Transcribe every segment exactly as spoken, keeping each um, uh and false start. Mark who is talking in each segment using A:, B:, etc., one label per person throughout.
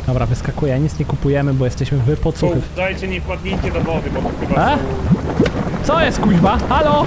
A: Dobra, wyskakuję, nic nie kupujemy, bo jesteśmy wypocuchy.
B: Dajcie, nie wpadnijcie do wody, bo to chyba
A: E?
B: są...
A: Co jest, kuźwa? Halo?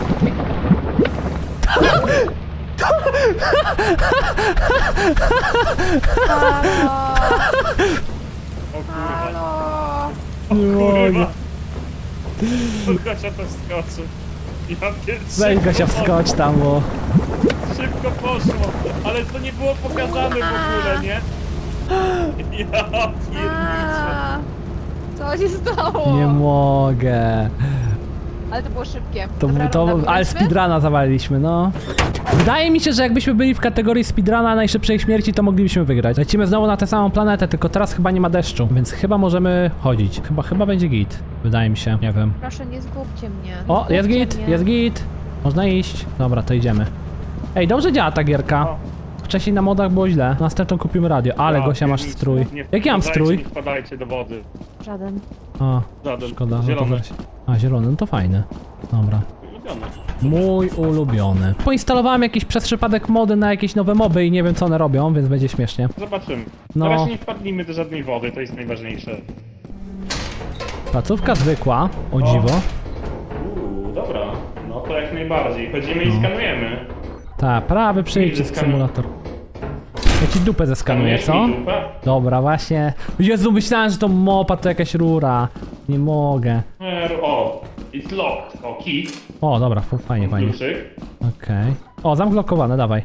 B: O kurwa.
A: Nie mogę.
B: Gosia to wskoczy. Ja pierwszy.
A: Weź Gosia, wskocz tam, bo...
B: Szybko poszło, ale to nie było pokazane w ogóle, nie? Ja pierniczę.
C: Co się stało?
A: Nie mogę.
C: Ale to było szybkie.
A: To,
C: Dobra,
A: to,
C: runda,
A: ale
C: powiedzmy?
A: speedruna zawaliliśmy, no. Wydaje mi się, że jakbyśmy byli w kategorii speedruna najszybszej śmierci, to moglibyśmy wygrać. Lecimy znowu na tę samą planetę, tylko teraz chyba nie ma deszczu, więc chyba możemy chodzić. Chyba, chyba będzie git. Wydaje mi się, nie wiem.
C: Proszę, nie zgubcie mnie.
A: O,
C: Zgubcie
A: jest git,
C: mnie.
A: jest git. Można iść. Dobra, to idziemy. Ej, dobrze działa ta gierka.
B: O.
A: Wcześniej na modach było źle. Następną kupimy radio, ale
B: Ja
A: Gosia masz
B: pierniczę.
A: strój.
B: Nie
A: Jaki mam
B: wpadajcie,
A: strój?
B: Nie wpadajcie do wody.
C: Żaden.
A: A,
B: Żaden.
A: szkoda. No to
B: Zielony.
A: weź. A, zielony, no to fajny. Dobra.
B: Ulubiony.
A: Mój ulubiony. Poinstalowałem jakiś przez przypadek mody na jakieś nowe moby i nie wiem co one robią, więc będzie śmiesznie.
B: Zobaczymy.
A: No.
B: Na razie nie wpadnijmy do żadnej wody, to jest najważniejsze.
A: Placówka zwykła, o dziwo.
B: Uuu, dobra. No to jak najbardziej. Chodzimy
A: No.
B: i skanujemy.
A: Tak, prawy przycisk
B: Zeskanuj-
A: symulator. Ja ci dupę zeskanuję, co?
B: Skanujesz mi dupę?
A: Dobra, właśnie. Jezu, myślałem, że to mopa to jakaś rura. Nie mogę.
B: Er, O, it's locked. O, key.
A: O, dobra, fu- fajnie, fajnie.
B: Kluczyk.
A: Okej. O, zamklokowane, dawaj.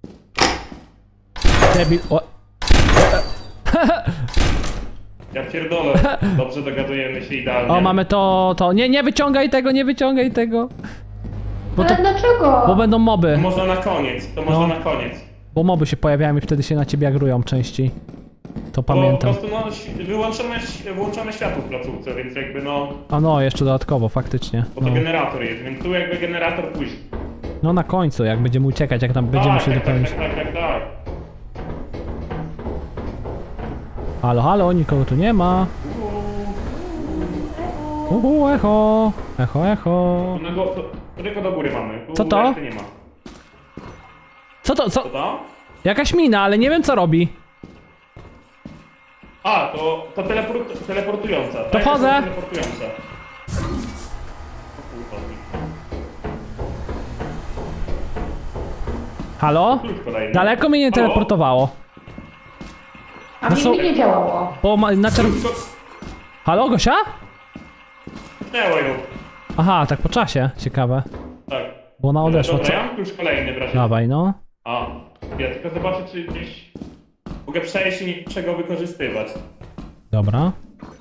A: Debil, o.
B: Ja pierdolę. Dobrze dogadujemy się idealnie.
A: O, mamy to, to. Nie, nie wyciągaj tego, nie wyciągaj tego. Bo to,
D: Ale dlaczego?
A: bo będą moby.
B: To można na koniec, to można
A: No.
B: na koniec.
A: Bo moby się pojawiają i wtedy się na ciebie agrują częściej. To
B: Bo
A: pamiętam.
B: po prostu no, ś- wyłączone, włączone światło w placówce, więc jakby no,
A: A no, jeszcze dodatkowo, faktycznie.
B: bo to
A: No,
B: generator jest, więc tu jakby generator później.
A: no na końcu, jak będziemy uciekać, jak tam będziemy
B: tak,
A: się
B: tak, tak,
A: dopełnić.
B: tak, tak, tak, tak.
A: Halo, halo, nikogo tu nie ma. Uhu, echo. Echo, echo.
B: Tu na go, to, tylko do góry mamy. Tu
A: Co to?
B: reszty nie ma.
A: Co to, co?
B: Co to?
A: Jakaś mina, ale nie wiem co robi.
B: A, to, to teleport, teleportująca.
A: To
B: tak?
A: wchodzę.
B: To teleportująca. O kurwa.
A: Halo?
B: Klucz kolejny.
A: Daleko mnie nie
B: Halo?
A: teleportowało.
D: A
A: No
D: mi
A: są-
D: nie działało.
A: Bo ma, na czerw...
B: Klucz ko-
A: Halo, Gosia?
B: Tnęło ją.
A: Aha, tak po czasie. Ciekawe.
B: Tak.
A: Bo ona odeszła,
B: Dobra,
A: co?
B: ja mam klucz kolejny w razie.
A: Dawaj, no.
B: A, ja tylko zobaczę, czy gdzieś mogę przejść i niczego wykorzystywać.
A: Dobra.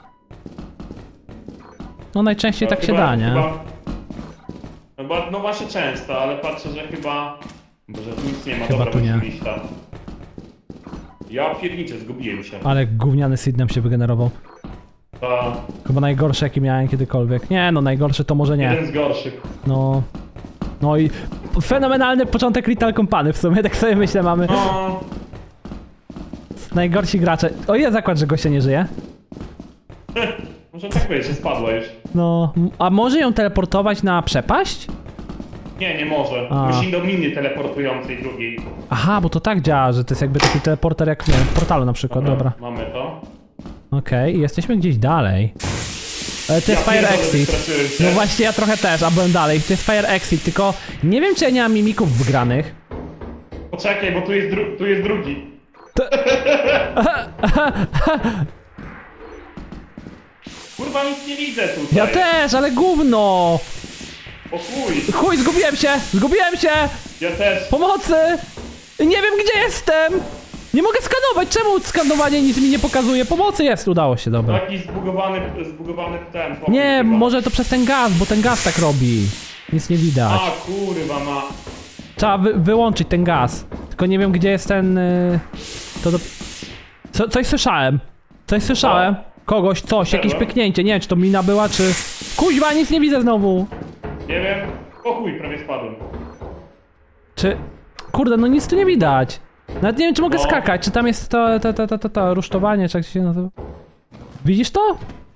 A: No najczęściej
B: No,
A: tak się
B: chyba-
A: da, nie?
B: Chyba, no, bo, no właśnie często, ale patrzę, że chyba... Boże, tu nic nie ma,
A: Chyba
B: dobra,
A: tu nie.
B: musimy iść tam. Ja pierniczę, zgubiłem się.
A: Ale gówniany seed nam się wygenerował.
B: Ta,
A: Chyba najgorszy jaki miałem kiedykolwiek. Nie no, najgorszy to może nie.
B: jeden z gorszych.
A: No. No i fenomenalny początek Lethal Company w sumie, tak sobie myślę, mamy
B: No,
A: najgorsi gracze. O ile zakład, że gościa nie żyje?
B: może tak być, że spadła już.
A: No, m- a może ją teleportować na przepaść?
B: Nie, nie może.
A: A.
B: Musi do miny teleportującej drugiej.
A: Aha, bo to tak działa, że to jest jakby taki teleporter jak, nie wiem, w portalu na przykład, dobra.
B: Mamy to.
A: Okej, jesteśmy gdzieś dalej. Ale to jest
B: Ja
A: Fire
B: pierdolę,
A: Exit.
B: wystraszyłem się.
A: No właśnie, ja trochę też, a byłem dalej. To jest Fire Exit, tylko nie wiem, czy ja nie mam mimików wgranych.
B: Poczekaj, bo tu jest, dru tu jest drugi. Kurwa, nic nie widzę tutaj.
A: Ja też, ale gówno!
B: O chuj,
A: Chuj, zgubiłem się! Zgubiłem się!
B: ja też.
A: Pomocy! Nie wiem, gdzie jestem! Nie mogę skanować! Czemu skanowanie nic mi nie pokazuje? Pomocy jest! Udało się, dobra.
B: Taki zbugowany, zbugowany ten pokój
A: Nie,
B: chyba.
A: może to przez ten gaz, bo ten gaz tak robi. Nic nie widać.
B: A kurwa ma.
A: Trzeba wy wyłączyć ten gaz. Tylko nie wiem, gdzie jest ten... Yy... To do... Co, coś słyszałem. Coś słyszałem. Kogoś, coś, jakieś
B: Czego?
A: pyknięcie. Nie wiem, czy to mina była, czy... Kuźwa, nic nie widzę znowu.
B: Nie wiem. O chuj, prawie spadłem.
A: Czy... Kurde, no nic tu nie widać. Nawet nie wiem, czy mogę
B: No.
A: skakać. Czy tam jest to, to, to, to, to, to rusztowanie, czy jak się nazywa? Widzisz to?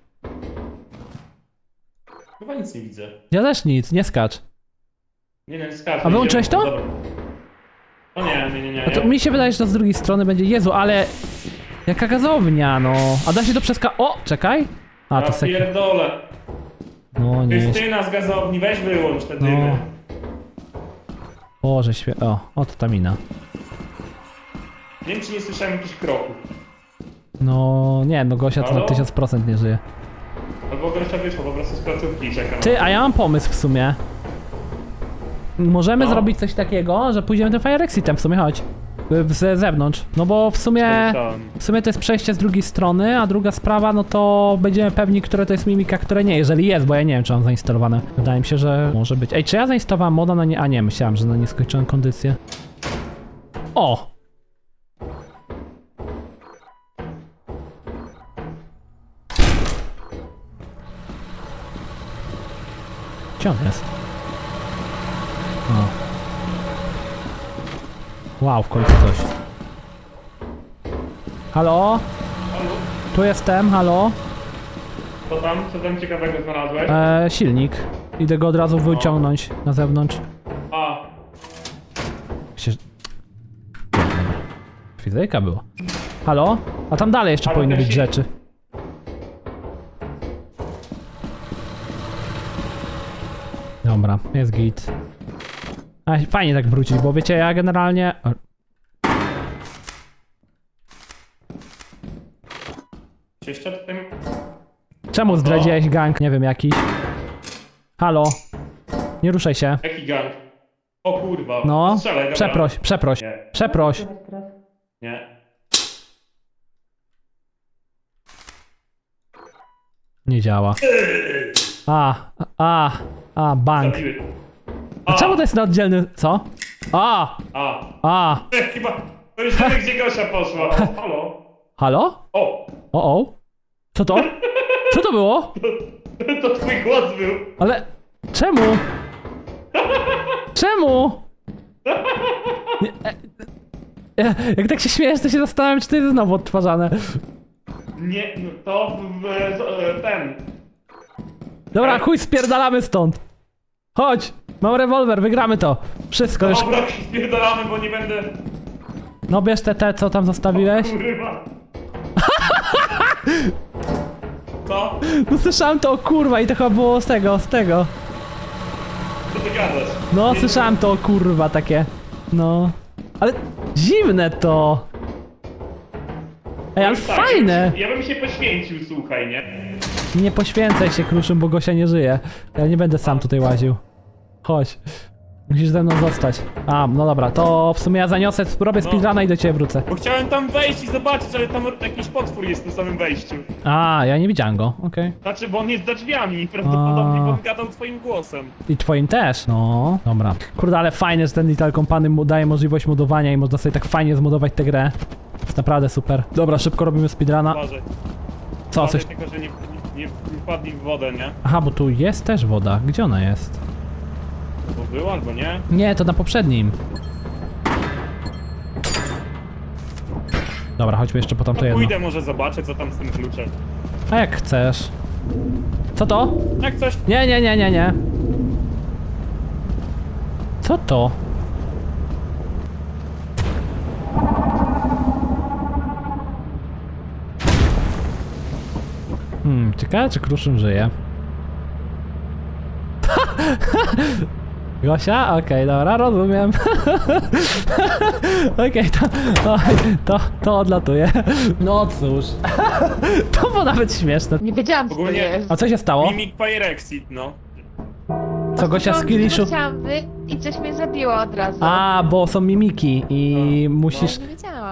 B: Chyba nic nie widzę.
A: Ja też nic, nie skacz.
B: Nie wiem, skacz.
A: A wyłączyłeś to?
B: O nie, nie, nie, nie.
A: No to
B: ja-
A: mi się wydaje, że to z drugiej strony będzie... Jezu, ale... Jaka gazownia, no. A da się to przeska... O, czekaj. A, to
B: Ja
A: sek...
B: pierdolę.
A: No, nie jest...
B: Krystyna z gazowni, weź wyłącz te
A: No.
B: dymy.
A: Boże, świe... O, o, to ta mina.
B: Nie wiem, czy nie słyszałem jakichś kroków.
A: No, nie, no Gosia to na
B: Halo?
A: tysiąc procent nie żyje.
B: Albo Gosia wyszła po prostu z placówki i czeka.
A: Ty, a ja mam pomysł w sumie. Możemy
B: No.
A: zrobić coś takiego, że pójdziemy tym Fire Exitem w sumie, chodź. Y, Z zewnątrz. No bo w sumie... W sumie to jest przejście z drugiej strony, a druga sprawa, no to będziemy pewni, które to jest mimika, które nie, jeżeli jest, bo ja nie wiem, czy mam zainstalowane. Wydaje mi się, że może być. Ej, czy ja zainstalowałem moda na nie... A nie, myślałem, że na nieskończoną kondycję. O! Gdzie on jest? O. Wow, w końcu coś. Halo?
B: Halo?
A: Tu jestem, halo?
B: Co tam? Co tam ciekawego znalazłeś?
A: E, silnik. Idę go od razu wyciągnąć na zewnątrz.
B: A,
A: Się... Fizyka było. Halo? A tam dalej jeszcze
B: Ale
A: powinny
B: też
A: być
B: się-
A: rzeczy. Dobra, jest git. A, fajnie tak wrócić, bo wiecie, ja generalnie... O,
B: czy jeszcze tutaj...
A: czemu zdradziłeś gang? Nie wiem, jakiś. Halo? Nie ruszaj się.
B: Jaki gang? O kurwa.
A: No,
B: Strzelaj, dobra.
A: przeproś, przeproś,
B: Nie.
A: przeproś.
B: Nie.
A: Nie działa. A, a, a, bank.
B: Zabiły.
A: A czemu to jest na oddzielny... Co? A,
B: A.
A: a,
B: Chyba... To już wiemy, gdzie Gosia poszła. O, halo?
A: halo?
B: O!
A: O, o. Co to? Co to było?
B: To twój głos był.
A: Ale... Czemu? Czemu? Nie, e, e, jak tak się śmiejesz, to się zastanawiam, czy to jest znowu odtwarzane.
B: Nie, no to w, w, ten.
A: Dobra, chuj, spierdalamy stąd. Chodź, mam rewolwer, wygramy to. Wszystko już.
B: Dobra, spierdolamy, bo nie będę...
A: No bierz te, te, co tam zostawiłeś.
B: Kurwa. Co?
A: No słyszałem to, o kurwa, i to chyba było z tego, z tego.
B: Co ty gadasz?
A: No,
B: Nie,
A: słyszałem to, o kurwa, takie. No. Ale dziwne to. Ej, ale
B: tak,
A: fajne.
B: Ja bym się poświęcił, słuchaj, nie?
A: Nie poświęcaj się, Kruszym, bo Gosia nie żyje. Ja nie będę sam tutaj łaził. Chodź. Musisz ze mną zostać. A, no dobra, to w sumie ja zaniosę, robię
B: No.
A: speedruna i do ciebie wrócę.
B: Bo chciałem tam wejść i zobaczyć, ale tam jakiś potwór jest na samym wejściu.
A: A, ja nie widziałem go, okej.
B: Znaczy, bo on jest za drzwiami i prawdopodobnie
A: A.
B: on gadał twoim głosem.
A: I twoim też. No, dobra. Kurde, ale fajnie, że ten Little Company mu daje możliwość modowania i można sobie tak fajnie zmodować tę grę. Jest naprawdę super. Dobra, szybko robimy speedruna.
B: Uważaj.
A: Co,
B: Uważaj
A: coś...
B: tylko, że nie, nie, nie wpadli w wodę, nie?
A: Aha, bo tu jest też woda. Gdzie ona jest?
B: Bo było albo nie?
A: Nie, to na poprzednim. Dobra, chodźmy jeszcze po tamto
B: No
A: jedno.
B: pójdę, może zobaczę, co tam z tym kluczem.
A: A jak chcesz. Co to?
B: Jak coś...
A: Nie, nie, nie, nie, nie. Co to? Hmm, ciekawe czy Kruszym żyje. Gosia? Okej, dobra, rozumiem. Okej, to, oj, to, to odlatuje. No cóż. To było nawet śmieszne.
C: Nie wiedziałam, co to
B: Ogólnie-
C: jest.
A: A co się stało?
B: Mimic Fire Exit, no.
A: Co Gosia z Kiliszu...
C: Chciałam wy... i coś mnie zabiło od razu.
A: A, bo są mimiki i musisz...
C: Nie wiedziałam.